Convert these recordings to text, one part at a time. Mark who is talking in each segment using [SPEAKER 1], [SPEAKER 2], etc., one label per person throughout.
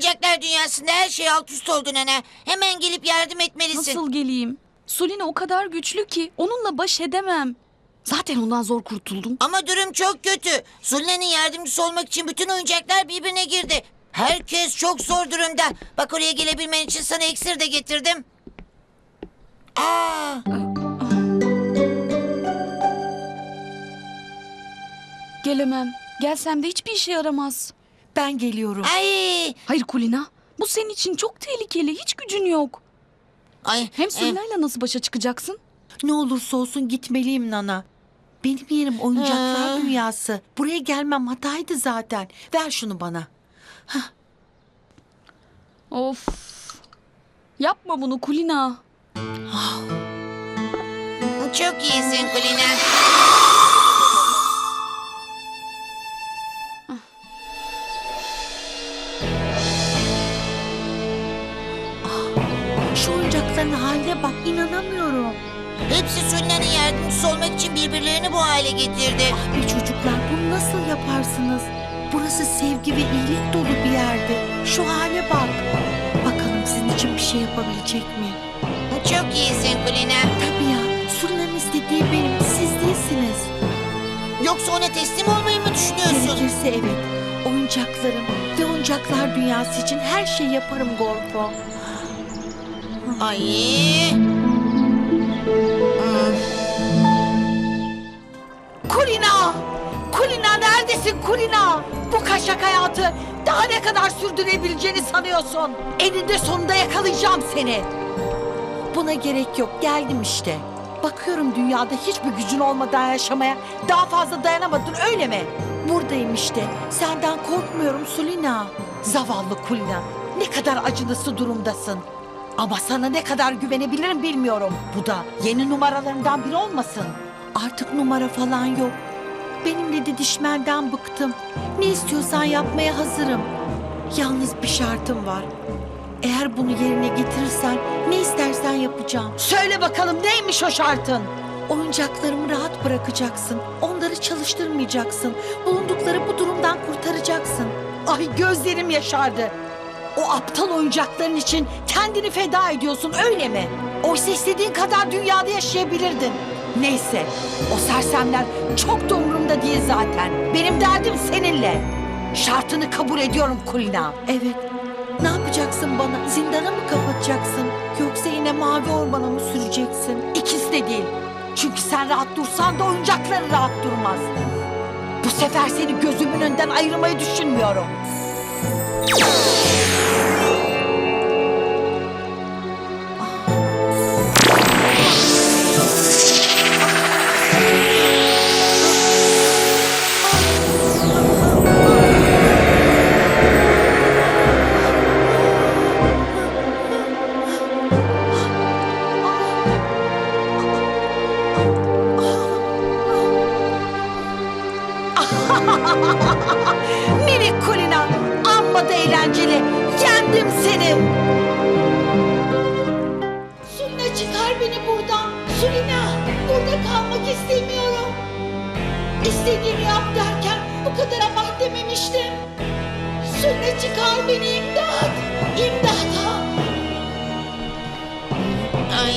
[SPEAKER 1] Oyuncaklar dünyasında her şey alt üst oldu nene. Hemen gelip yardım etmelisin.
[SPEAKER 2] Nasıl geleyim? Sulina o kadar güçlü ki onunla baş edemem. Zaten ondan zor kurtuldum.
[SPEAKER 1] Ama durum çok kötü. Sulina'nın yardımcısı olmak için bütün oyuncaklar birbirine girdi. Herkes çok zor durumda. Bak oraya gelebilmen için sana iksir de getirdim. Aa,
[SPEAKER 2] Gelemem. Gelsem de hiçbir işe yaramaz.
[SPEAKER 3] Ben geliyorum.
[SPEAKER 1] ay,
[SPEAKER 2] Hayır Kulina. Bu senin için çok tehlikeli. Hiç gücün yok.
[SPEAKER 1] ay.
[SPEAKER 2] Hem Sulina'yla nasıl başa çıkacaksın?
[SPEAKER 3] Ne olursa olsun gitmeliyim Nana. Benim yerim oyuncaklar dünyası. Buraya gelmem hataydı zaten. Ver şunu bana.
[SPEAKER 2] Of. Yapma bunu Kulina.
[SPEAKER 1] Çok iyisin Kulina.
[SPEAKER 3] Şu oyuncakların haline bak, inanamıyorum.
[SPEAKER 1] Hepsi Sulina'nın yardımcısı olmak için birbirlerini bu hale getirdi.
[SPEAKER 3] Ah be çocuklar, bunu nasıl yaparsınız? Burası sevgi ve iyilik dolu bir yerde. Şu hale bak. Bakalım sizin için bir şey yapabilecek mi?
[SPEAKER 1] Çok iyisin Kulina.
[SPEAKER 3] Tabii ya, Sulina'nın istediği benim, siz değilsiniz.
[SPEAKER 1] Yoksa ona teslim olmayı mı düşünüyorsun?
[SPEAKER 3] Gerekirse evet. Oyuncaklarım ve oyuncaklar dünyası için her şeyi yaparım Gorfo.
[SPEAKER 1] Ay.
[SPEAKER 3] Kulina! Kulina neredesin Kulina? Bu kaşak hayatı daha ne kadar sürdürebileceğini sanıyorsun? Eninde sonunda yakalayacağım seni. Buna gerek yok, geldim işte. Bakıyorum dünyada hiçbir gücün olmadan yaşamaya daha fazla dayanamadın öyle mi? Buradayım işte. Senden korkmuyorum Sulina. Zavallı Kulina. Ne kadar acınası durumdasın. Ama sana ne kadar güvenebilirim bilmiyorum. Bu da yeni numaralarından biri olmasın. Artık numara falan yok. Benimle didişmenden bıktım. Ne istiyorsan yapmaya hazırım. Yalnız bir şartım var. Eğer bunu yerine getirirsen ne istersen yapacağım. Söyle bakalım neymiş o şartın? Oyuncaklarımı rahat bırakacaksın. Onları çalıştırmayacaksın. Bulundukları bu durumdan kurtaracaksın. Ay gözlerim yaşardı. O aptal oyuncakların için kendini feda ediyorsun öyle mi? Oysa istediğin kadar dünyada yaşayabilirdin. Neyse o sersemler çok da umurumda değil zaten. Benim derdim seninle. Şartını kabul ediyorum Kulina. Evet. Ne yapacaksın bana? Zindana mı kapatacaksın? Yoksa yine mavi ormana mı süreceksin? İkisi de değil. Çünkü sen rahat dursan da oyuncakların rahat durmaz. Bu sefer seni gözümün önünden ayırmayı düşünmüyorum. Minik Kulina, amma da eğlenceli. Yendim seni. Sulina çıkar beni buradan. Sulina, burada kalmak istemiyorum. İstediğini yap derken bu kadar abart dememiştim. Sulina çıkar beni, imdat. İmdat.
[SPEAKER 1] Ay.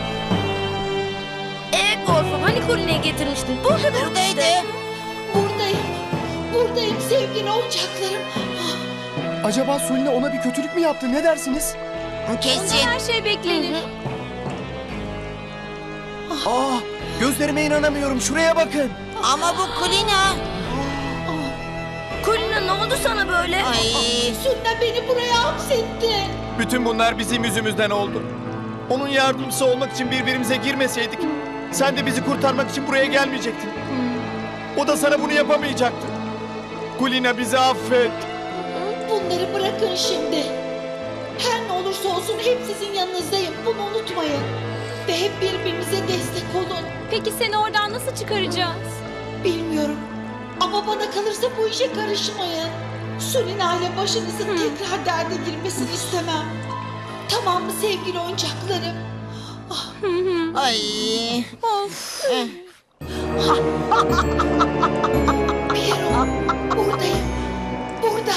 [SPEAKER 4] Gorfo hani Kulina'yı getirmiştin? Burada da yok
[SPEAKER 1] Buradaydı.
[SPEAKER 4] işte.
[SPEAKER 3] Buradayım. Buradayım sevgili oyuncaklarım.
[SPEAKER 5] Acaba Sulina ona bir kötülük mü yaptı? Ne dersiniz?
[SPEAKER 1] Kesin.
[SPEAKER 4] Her şey beklenir.
[SPEAKER 5] Aa, gözlerime inanamıyorum. Şuraya bakın.
[SPEAKER 1] Ama bu Kulina.
[SPEAKER 4] Kulina ne oldu sana böyle?
[SPEAKER 1] Ay.
[SPEAKER 3] Sulina beni buraya hapsetti.
[SPEAKER 5] Bütün bunlar bizim yüzümüzden oldu. Onun yardımcısı olmak için birbirimize girmeseydik, sen de bizi kurtarmak için buraya gelmeyecektin. O da sana bunu yapamayacaktı. Kulina bizi affet.
[SPEAKER 3] Bunları bırakın şimdi. Her ne olursa olsun hep sizin yanınızdayım. Bunu unutmayın. Ve hep birbirinize destek olun.
[SPEAKER 4] Peki seni oradan nasıl çıkaracağız?
[SPEAKER 3] Bilmiyorum. Ama bana kalırsa bu işe karışmayın. Sulina ile başınızın tekrar derde girmesini istemem. Tamam mı sevgili oyuncaklarım?
[SPEAKER 1] Ay.
[SPEAKER 3] Piero, buradayım. Burada.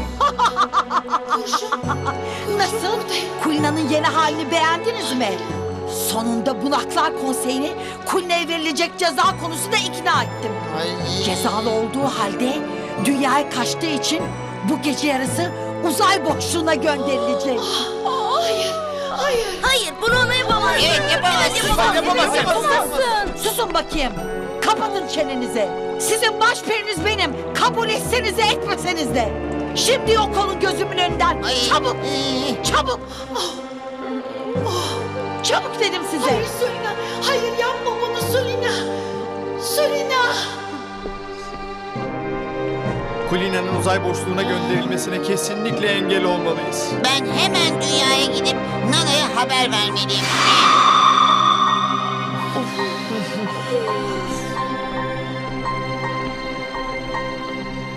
[SPEAKER 3] Nasıl? Kulina'nın yeni halini beğendiniz mi? Sonunda Bunaklar Konseyi'ni Kulina'ya verilecek ceza konusunda ikna ettim. Cezalı olduğu halde dünyaya kaçtığı için bu gece yarısı uzay boşluğuna gönderilecek.
[SPEAKER 4] Hayır bunu ona yapamazsın.
[SPEAKER 1] Evet, yapamazsın.
[SPEAKER 4] Yapamazsın.
[SPEAKER 3] Susun bakayım. Kapatın çenenizi. Sizin başperiniz benim. Kabul etseniz de etmeseniz de. Şimdi yok olun gözümün önünden.
[SPEAKER 1] Ay,
[SPEAKER 3] Çabuk.
[SPEAKER 1] ee.
[SPEAKER 3] Çabuk. Çabuk dedim size.
[SPEAKER 6] Hayır Sulina. Hayır yapma bunu Sulina. Sulina.
[SPEAKER 5] Kulina'nın uzay boşluğuna gönderilmesine kesinlikle engel olmalıyız.
[SPEAKER 1] Ben hemen dünyaya gidip Nana'ya haber vermeliyim.